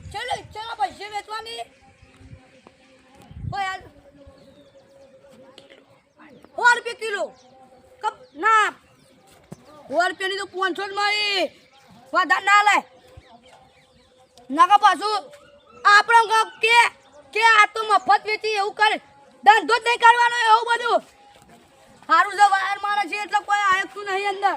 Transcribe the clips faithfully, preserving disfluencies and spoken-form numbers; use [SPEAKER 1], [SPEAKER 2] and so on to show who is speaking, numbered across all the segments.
[SPEAKER 1] ચલો ચલો પૈસે વેચવાની ઓય સો રૂપિયા કિલો કપ ના સો રૂપિયાની તો પાંચસો જ મારી વધારે ના લે નાકા પાછું આપણે કે કે આ તો મફત વેચી એવું કરે ધંધો જ નહીં કરવાનો એવું બધું સારું છે વાયર મારે છે એટલે કોઈ આયકતું નહીં અંદર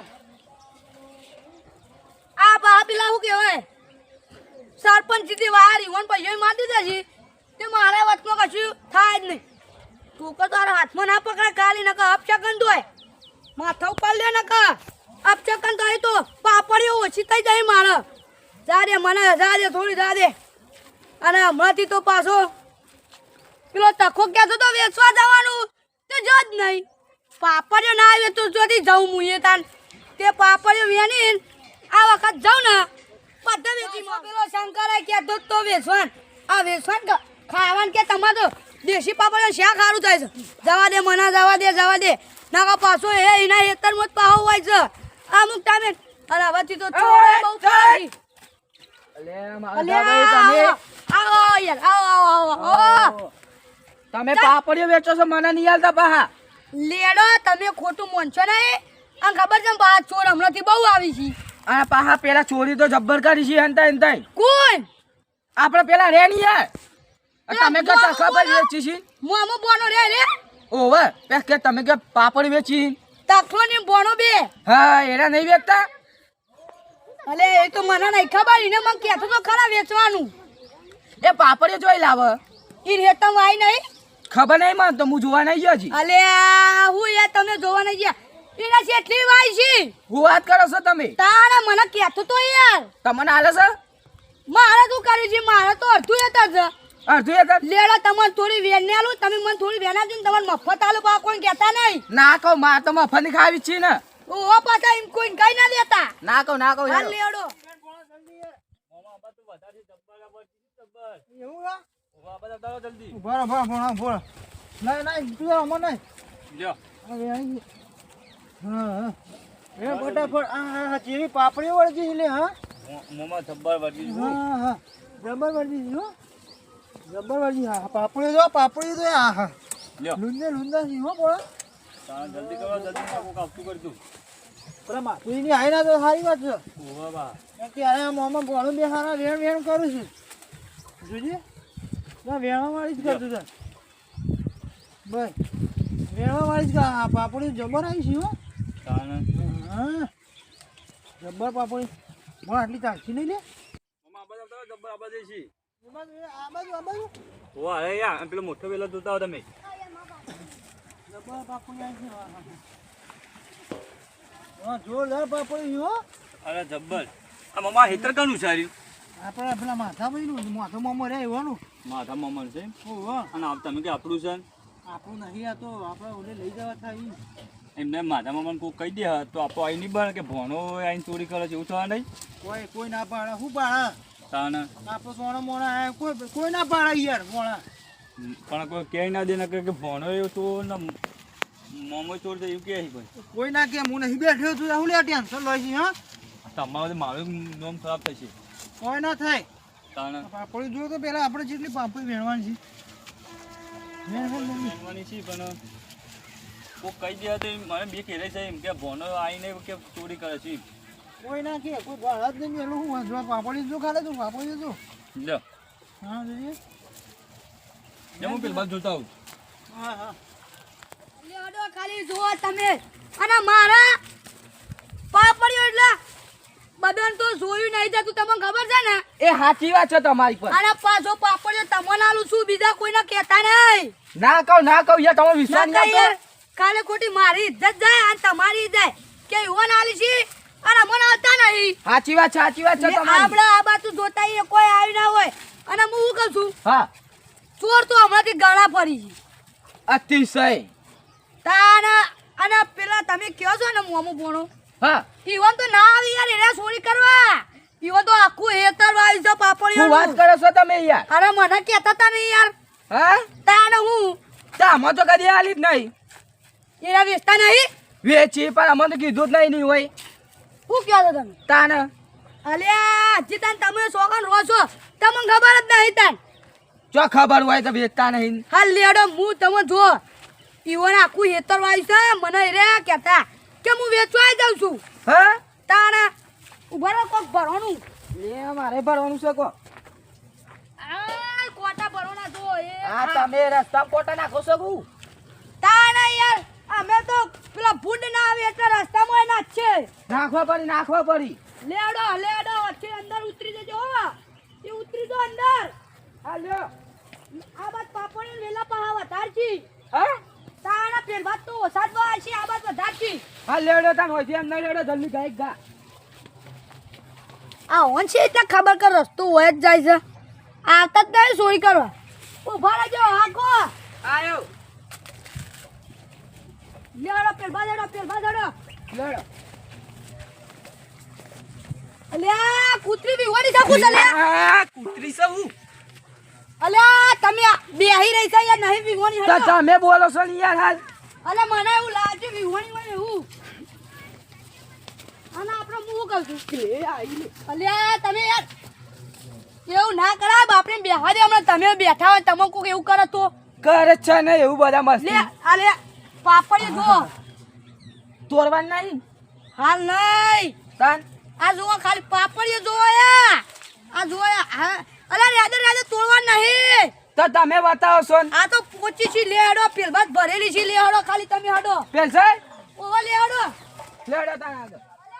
[SPEAKER 1] આ બા પેલા શું કહેવાય સરપંચ સીધી વાયર ઈવન પૈસા મારી દીધા છે તે મારા વચમાં કશું થાય જ નહીં તું કે તારા હાથમાં ના પકડે કાલી નકા અપચકન દોય માથા ઉપર લે નકા અપચકન થાય તો પાપડીઓ ઓછી થઈ જાય મારે જા દે મને જા દે થોડી જા દે અને હમણાંથી તો પાછો પેલો તખો કહેતો તો વેચવા જવાનું તે જ જ નહીં પાપડીઓ ના આવે તો જોથી જાઉં હું એ તાન તે પાપડીઓ વેની આ વખત જાઉં ને બધા વેચીમાં પેલો શંકરે કહેતો તો વેચવાન આ વેચવાન ખાવાનું કે તમારે તો દેશી પાપડીઓ શા ખારું થાય છે જવા દે મને જવા દે જવા દે નાકા પાછો એ એના હેતરમાં જ પાહો હોય છે અમુક ટાઈમે અને હવેથી તો છોડે બહુ પાછી
[SPEAKER 2] તમે પાપડીઓ વેચો છો મને નહીં આલતા પાહા
[SPEAKER 1] લેડો તમે ખોટું મોનશો નહીં આ ખબર છે બા ચોર હમણાંથી બહુ આવી છે
[SPEAKER 2] આ પાહા પેલા ચોરી તો જબ્બર કરી છે હંતા હંતા
[SPEAKER 1] કોણ
[SPEAKER 2] આપણે પેલા રે નહીં યાર તમે કે ખબર વેચી છે
[SPEAKER 1] મોમો બોનો રે રે
[SPEAKER 2] ઓવે પે કે તમે કે પાપડી વેચી
[SPEAKER 1] તખલો ને બોનો બે
[SPEAKER 2] હા એના નહીં વેચતા
[SPEAKER 1] અલે એ તો મને નહીં ખબર એને મને કહેતો તો ખરા વેચવાનું
[SPEAKER 2] એ પાપડીઓ જોઈ લાવે
[SPEAKER 1] ઈ રેતમ આઈ નહીં
[SPEAKER 2] ખબર નહીં મને તો હું જોવા નહીં ગયો છી
[SPEAKER 1] અલે હું યાર તમે જોવા નહીં ગયા એના કેટલી વાય છે
[SPEAKER 2] હું વાત કરો છો તમે
[SPEAKER 1] તારે મને કહેતો તો યાર
[SPEAKER 2] તમને આલે છે
[SPEAKER 1] મારે શું કર્યું છે મારે તો અડધું એતા છે
[SPEAKER 2] અડધું એ
[SPEAKER 1] લેડો તમને થોડી વેન ને આલું તમે મને થોડી વેન આપજો ને તમને મફત આલું પા કોઈ કહેતા નહીં
[SPEAKER 2] ના કહો માર તો મફત ની ખાવી છે ને
[SPEAKER 1] ઓ પાછા એમ કોઈ કઈ ના લેતા
[SPEAKER 2] ના કહો ના કહો
[SPEAKER 1] હાલ લેડો
[SPEAKER 3] પાપડી વળગી લે હા
[SPEAKER 4] મોમાં જબ્બર વળી
[SPEAKER 3] હા હા જબર વળગી હો જબર વળગી હા પાપડી જો પાપડી તો હા હા
[SPEAKER 4] લ્યો
[SPEAKER 3] લુંદે લુંદા સી હો બોલા
[SPEAKER 4] તા જલ્દી કરો જલ્દી કાકો કાપતું કરી દઉં
[SPEAKER 3] પેલા માતુઈ ની આઈ ના તો સારી વાત છે
[SPEAKER 4] ઓવા બા
[SPEAKER 3] કે અરે મોમાં બોલું બે હારા વેણ વેણ કરું છું જોજે ના વેણવા વાળી જ કરતું છે ભાઈ વેણવા વાળી જ આ પાપડી જબર આવી છે હો
[SPEAKER 4] તાને
[SPEAKER 3] હા જબર પાપડી બોલ આટલી ચાલતી નહીં લે
[SPEAKER 4] મોમાં આબા જાવ જબ્બર આબા જઈશી
[SPEAKER 3] આ બાજુ આ બાજુ
[SPEAKER 4] ઓવા અરે યાર પેલો મોટો વેલો જોતા હો તમે
[SPEAKER 3] જબર પાપડી આવી છે હા જોરદાર પાપડી હો
[SPEAKER 4] અરે જબ્બર આ મમા હેતર કનું સાર્યું
[SPEAKER 3] આપણે પેલા માથા ભાઈનું માથો મોમો રહે એવાનું
[SPEAKER 4] માથા મમન છે
[SPEAKER 3] ઓહો
[SPEAKER 4] અને આપ તમે કે આપણું છે
[SPEAKER 3] આપણું નહીં આ તો આપણે ઓલે લઈ જવા થાય
[SPEAKER 4] એમને માથા મમન કોઈ કહી દે તો આપો આઈ નહીં બને કે ભણો આઈને ચોરી કરે છે એવું થવા નહીં
[SPEAKER 3] કોઈ કોઈ ના પાડે શું પાડે
[SPEAKER 4] તાને
[SPEAKER 3] આપણે સોના મોણા કોઈ કોઈ ના પાડે યાર મોણા
[SPEAKER 4] પણ કોઈ કહે ના દે ને કે ભણો એવું તો ને મોમો ચોર છે એવું કહે કોઈ
[SPEAKER 3] કોઈ ના કે હું નહીં બેઠ્યો છું હું લે ટેન્શન લઈ છી હા
[SPEAKER 4] તમારું મારું નામ ખરાબ થશે
[SPEAKER 3] કોઈ ના થાય
[SPEAKER 4] તાને
[SPEAKER 3] પાપડી જો તો પેલા આપણે જેટલી પાપડી વેણવાની છે વેણ વેણ વેણ.
[SPEAKER 4] ભણવાની છે પણ કોઈ કહી દે તો મને બે ઘેરે છે એમ કે ભણો આવીને કે ચોરી કરે છે
[SPEAKER 3] કોઈ ના કે કોઈ ગાળા જ નહીં મેલું હું જો પાપડી જો ખાલે તું પાપડી જો
[SPEAKER 4] લ્યો
[SPEAKER 3] હા જોઈએ
[SPEAKER 4] જે હું પેલ બાદ જોતા આવું
[SPEAKER 3] હા હા
[SPEAKER 1] લેડો ખાલી જુઓ તમે અને મારા પાપડીઓ એટલે બદન તો જોયું નહીં જતું તમને ખબર છે ને
[SPEAKER 2] એ સાચી વાત છે તમારી પર
[SPEAKER 1] અને પાછો પાપડીઓ તમને આલું છું બીજા કોઈને કહેતા નહીં
[SPEAKER 2] ના કહો ના કહો યાર તમે વિશ્વાસ
[SPEAKER 1] નકર
[SPEAKER 2] નહીં
[SPEAKER 1] યાર
[SPEAKER 2] આવતો
[SPEAKER 1] કાલે ખોટી મારી ઇજ્જત જાય અને તમારી જાય કે ઈવન આલી છે અને મને આવતા નહીં
[SPEAKER 2] સાચી વાત છે સાચી વાત છે તમારી
[SPEAKER 1] આપણે આ બાજુ જોતા એ કોઈ આવી ના હોય અને હું શું કહું છું
[SPEAKER 2] હા
[SPEAKER 1] ચોર તો હમણાંથી ગળા ફરી છે
[SPEAKER 2] અતિશય
[SPEAKER 1] તાના અને પેલા તમે કહો છો ને મોમું ભણો
[SPEAKER 2] હા
[SPEAKER 1] ઈવન તો ના આવી યાર એને ચોરી કરવા ઈવન તો આખું હેતર વાળી છે પાપડીઓ
[SPEAKER 2] શું વાત કરો છો તમે યાર
[SPEAKER 1] અરે મને કહેતા તા નહીં યાર
[SPEAKER 2] હા
[SPEAKER 1] તાને હું
[SPEAKER 2] તામાં તો કદી આલી જ નહીં
[SPEAKER 1] એના વેચતા નહીં
[SPEAKER 2] વેચી પણ અમને તો કીધું જ નહીં નહીં હોય
[SPEAKER 1] શું કહો છો તમે
[SPEAKER 2] તાને
[SPEAKER 1] અલ્યા હજી તાન તમે સોગન રહો છો તમને ખબર જ નહીં તાન
[SPEAKER 2] જો ખબર હોય તો વેચતા નહીં.
[SPEAKER 1] હાલ લેડો હું તમે જો ઈવન આખું હેતર વાય છે મને રે કહેતા કે હું વેચવા જાઉં છું
[SPEAKER 2] હા
[SPEAKER 1] તાણા ઉભા રહો કોક ભરવાનું
[SPEAKER 2] લે મારે ભરવાનું છે કો.
[SPEAKER 1] આ કોટા ભરવાના જો એ
[SPEAKER 2] આ તમે રસ્તા કોટા નાખો છો હું.
[SPEAKER 1] તાણા યાર અમે તો પેલા ભૂંડ ના આવે એટલે રસ્તામાં ના છે
[SPEAKER 2] નાખવા પડી નાખવા પડી.
[SPEAKER 1] લેડો લેડો વચ્ચે અંદર ઉતરી જજો હો એ ઉતરી જો અંદર
[SPEAKER 2] હા લ્યો.
[SPEAKER 1] આ બાદ પાપડી વેલા પહા વધારજી
[SPEAKER 2] હા
[SPEAKER 1] તાણા પેલ બાદ તો ઓસાદ વાસી આ બાદ વધારજી
[SPEAKER 2] હા લેડો તાન હોય છે એમ નહીં લેડો જલ્દી ગાય ગા.
[SPEAKER 1] આ ઓન છે એટલે ખબર કર રસ્તો હોય જ જાય છે આવતા જ નહીં સોરી કરવા ઉભા રહેજો હાકો
[SPEAKER 2] આયો
[SPEAKER 1] લેડો પેલ બાદ પેલ બાદ
[SPEAKER 2] લેડો.
[SPEAKER 1] અલ્યા કૂતરી બી વળી શકું છે અલ્યા
[SPEAKER 2] આ કૂતરી છે હું.
[SPEAKER 1] અલ્યા તમે બેહી રહી છે યાર નહીં વિહોણી
[SPEAKER 2] તો
[SPEAKER 1] હટો
[SPEAKER 2] તમે બોલો છો ને યાર હાલ.
[SPEAKER 1] અલે મને એવું લાગે વિહોણી હોય એવું અને આપણે હું કહું છું
[SPEAKER 2] એ આઈ લે.
[SPEAKER 1] અલ્યા તમે યાર એવું ના કરાય બાપને બેહવા દે હમણાં તમે બેઠા હોય તમે કોક એવું કરો તો
[SPEAKER 2] કરે જ છે ને એવું બધા
[SPEAKER 1] લે
[SPEAKER 2] મસ્તી.
[SPEAKER 1] અલે પાપડી જો
[SPEAKER 2] તોડવાનું નહીં
[SPEAKER 1] હાલ નહીં
[SPEAKER 2] તાન.
[SPEAKER 1] આ જુઓ ખાલી પાપડીઓ જોયા આ જોયા હા અલા રાધે રાધે તોડવા નહીં
[SPEAKER 2] તો તમે બતાવો છો ને.
[SPEAKER 1] આ તો પોચી છી લેડો પેલબાદ ભરેલી છી લેડો ખાલી તમે હડો
[SPEAKER 2] પેલ છે
[SPEAKER 1] ઓવા લેડો
[SPEAKER 2] લેડો તાન આગળ.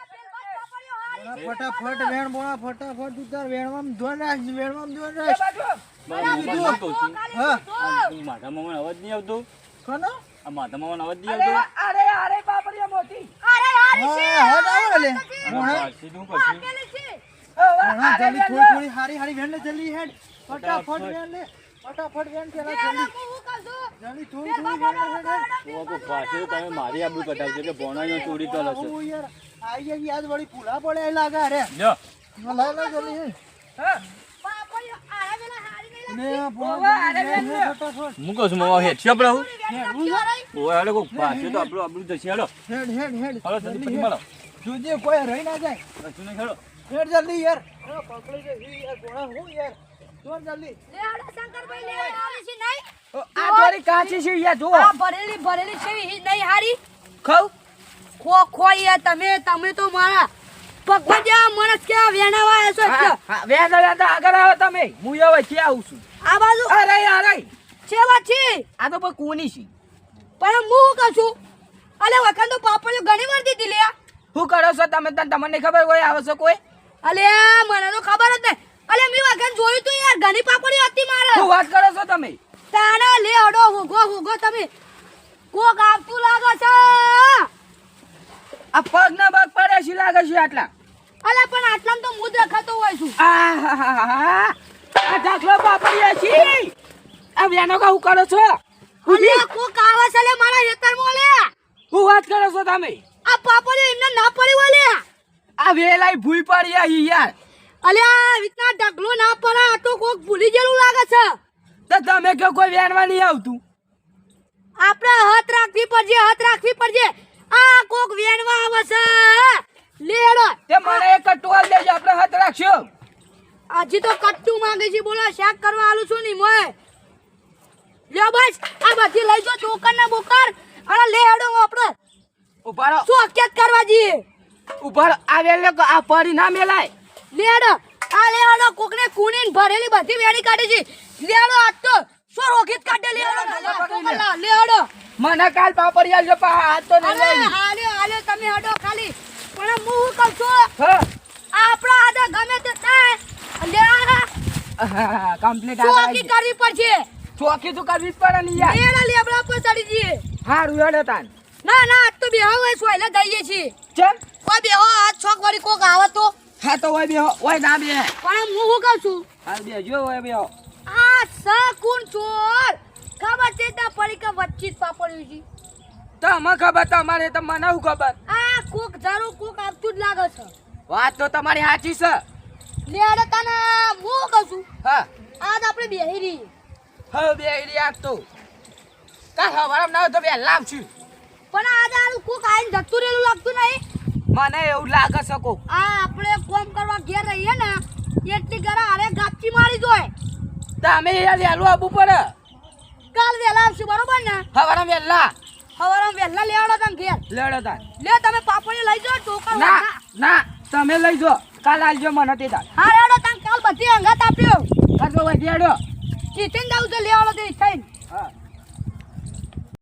[SPEAKER 3] ફટાફટ વેણ બોણા ફટાફટ તું તાર વેણમાં ધોન રાખ વેણમાં ધોન
[SPEAKER 2] એ
[SPEAKER 3] રાખ
[SPEAKER 2] બાજુ.
[SPEAKER 4] મારા મમ્મી કહું છું
[SPEAKER 3] હા
[SPEAKER 4] આ મારા મામાનો અવાજ નહીં આવતો
[SPEAKER 3] કોનો
[SPEAKER 4] આ મારા મામાનો અવાજ નહીં
[SPEAKER 2] અરે
[SPEAKER 4] આવતો
[SPEAKER 2] અરે અરે બાપરિયા મોટી.
[SPEAKER 1] અરે હારી છે
[SPEAKER 3] હા હા દાવ લે
[SPEAKER 4] આના
[SPEAKER 3] મોણા
[SPEAKER 4] પાછી શું કરશું
[SPEAKER 1] પેલી છે
[SPEAKER 3] મોણા
[SPEAKER 2] અરે
[SPEAKER 3] જલ્દી થોડી થોડી હારી હારી વેણ લે જલ્દી હેડ ફટાફટ વેણ લે ફટાફટ વેણ પેલા
[SPEAKER 1] લેડો
[SPEAKER 3] જલ્દી
[SPEAKER 1] હું કહું છું
[SPEAKER 3] જલ્દી થોડી થોડી વેણ લે હેડ
[SPEAKER 4] તો કોઈ પાછી તમે મારી આબરૂ કઢાવજો કે ભોણાઈઓ ચોરી કરે છે
[SPEAKER 3] હું યાર આઈ ગઈ યાદ વળી ભૂલા પડે એ લાગે અરે
[SPEAKER 4] લ્યો
[SPEAKER 3] લે લે જલ્દી હેડ
[SPEAKER 2] હા.
[SPEAKER 1] પાપડીઓ આરા વેલા હારી નહીં
[SPEAKER 3] લે
[SPEAKER 2] ઓવા,
[SPEAKER 3] ભોણા
[SPEAKER 2] અરે વેણ લે.
[SPEAKER 3] ફટાફટ
[SPEAKER 4] હું કહું છું મામા હેઠી આપણે આવું
[SPEAKER 1] લાગતી
[SPEAKER 4] ઓય હાલો કોઈ પાછી તો આપણું આપણું જશે હાલો
[SPEAKER 3] હેડ હેડ હેડ
[SPEAKER 4] હાલો જલ્દી પછી
[SPEAKER 3] હેડ.
[SPEAKER 4] મળો
[SPEAKER 3] જોજે કોઈ રહી ના જાય
[SPEAKER 4] કશું નહીં હાલો
[SPEAKER 3] હેડ જલ્દી યાર અરે પકડી જઈ યાર ભોણા હું યાર દોડ જલ્દી
[SPEAKER 1] લેડો શંકરભાઈ લે હારી છે નહીં
[SPEAKER 2] આ થોડી કાચી છે યાર જુઓ.
[SPEAKER 1] આ ભરેલી ભરેલી છે ઈ નહીં હારી
[SPEAKER 2] ખાવ.
[SPEAKER 1] ખો ખો યાર તમે તમે તો મારા પગમાં જ્યાં માણસ કેવા વેણાવા આવ્યા છો
[SPEAKER 2] હા,
[SPEAKER 1] એટલે
[SPEAKER 2] હા, વેણ વેણ તો આગળ આવો તમે. હું હવે ક્યાં આવું છું.
[SPEAKER 1] આ બાજુ
[SPEAKER 2] અરે અરે
[SPEAKER 1] સેવા છે
[SPEAKER 2] આ તો પણ કોની છે.
[SPEAKER 1] પણ હું શું કહું છું અલે વખત તો પાપડીઓ ઘણી વાર દીધી લે
[SPEAKER 2] શું કરો છો તમે તને તમને ખબર હોય આવે છે કોઈ.
[SPEAKER 1] અલે મને તો ખબર જ નહીં અલે મેં વખત જોયું તું યાર ઘણી પાપડીઓ હતી મારે
[SPEAKER 2] શું વાત કરો છો તમે.
[SPEAKER 1] તાના લે હડો હુગો હુગો તમે કોક આવતું લાગે છે
[SPEAKER 2] આ પગ ના પગ પડે છે લાગે છે આટલા.
[SPEAKER 1] અલે પણ આટલામાં તો મુદ રખાતો હોય છું
[SPEAKER 2] આહાહાહા. આ ઢાકલો પાપડિયા છે. આ વેનો કા હું કરો છો.
[SPEAKER 1] અલે કોક આવે છે લે મારા હેતરમાં લે
[SPEAKER 2] શું વાત કરો છો તમે.
[SPEAKER 1] આ પાપડીઓ એમને ના પડી હોય લે
[SPEAKER 2] આ વેલાઈ ભૂઈ પડી આ યાર.
[SPEAKER 1] અલે આ રીતના ઢગલો ના પડે આ તો કોક ભૂલી ગયેલું લાગે છે
[SPEAKER 2] તો તમે કે કોઈ વેણવા નહીં આવતું.
[SPEAKER 1] આપણે હાથ રાખવી પડશે હાથ રાખવી પડશે આ કોક વેણવા આવે છે લેડો
[SPEAKER 2] તે મને એક ટોલ દેજો આપણે હાથ રાખશો.
[SPEAKER 1] હજી તો કટ્ટુ માંગે છે બોલો શાક કરવા આલું છું ની મોય લ્યો બસ આ બધી લઈ જો ચોકર ના બોકર અને લેડો આપણે
[SPEAKER 2] ઉભા રહો
[SPEAKER 1] શું હકેત કરવા જઈએ
[SPEAKER 2] ઉભા રહો. આ વેલો કો આ પડી ના મેલાય.
[SPEAKER 1] લેડો આ લેડો કોકને કુણીન ભરેલી બધી વેણી કાઢી છે લેડો આજ તો શું રોકીત કાઢે લેડો લેડો
[SPEAKER 2] મને કાલ પાપડિયા જો પા હાથ તો નહીં
[SPEAKER 1] અરે
[SPEAKER 2] લઈ.
[SPEAKER 1] આલે આલે તમે હડો ખાલી પણ હું કહું છું
[SPEAKER 2] હા
[SPEAKER 1] આપણા આદા ગમે તે થાય લે
[SPEAKER 2] કમ્પ્લીટ
[SPEAKER 1] ચોકી કરવી પડશે
[SPEAKER 2] ચોકી તો કરવી જ પડે ને યાર.
[SPEAKER 1] એના લેબડા પર ચડી જઈએ
[SPEAKER 2] હારું હેડો તાન.
[SPEAKER 1] ના ના આજ તો બેહો હોય સોયલે દઈએ છીએ
[SPEAKER 2] ચલ
[SPEAKER 1] કોઈ બેહો આજ છોક વાળી કોક આવે તો
[SPEAKER 2] હા તો ઓય બેહો ઓય ના બે.
[SPEAKER 1] પણ હું શું કહું છું
[SPEAKER 2] હા બેજો ઓય બેહો.
[SPEAKER 1] આ સકુન ચોર ખબર છે ત્યાં પડી કે વચ્ચે જ પાપડ્યું છે
[SPEAKER 2] તમે ખબર તમારે તો મને શું ખબર.
[SPEAKER 1] આ કોક જરૂર કોક આવતું જ લાગે છે
[SPEAKER 2] વાત તો તમારી સાચી છે.
[SPEAKER 1] લેડે તને હું કહું છું
[SPEAKER 2] હા
[SPEAKER 1] આજ આપણે બેહી રહી
[SPEAKER 2] હવે બે આઈડિયા તો કાલ હવારમાં ના હોય તો બે લાવશું.
[SPEAKER 1] પણ આજે આનું કોક આઈને જતું રહેલું લાગતું નહીં
[SPEAKER 2] મને એવું લાગે છે કોક.
[SPEAKER 1] આ આપણે કોમ કરવા ઘેર રહીએ ને એટલી ઘરે આરે ગાપચી મારી દોય
[SPEAKER 2] તો અમે યાર વહેલું આવવું પડે
[SPEAKER 1] કાલ વેલા આવશું બરોબર ને
[SPEAKER 2] હવારે વહેલા
[SPEAKER 1] હવારે વેલા લેવડો તમે ઘેર
[SPEAKER 2] લેડો તાર
[SPEAKER 1] લે તમે પાપડી લઈ જાઓ ટોકર
[SPEAKER 2] ના ના તમે લઈ જો કાલ આલજો મને તે તાર
[SPEAKER 1] હા રેડો તમે કાલ બધી અંગાત આપ્યો
[SPEAKER 2] કરજો વધી આડો
[SPEAKER 1] જીતીને જાવ તો લેવડો તે થઈને
[SPEAKER 2] હા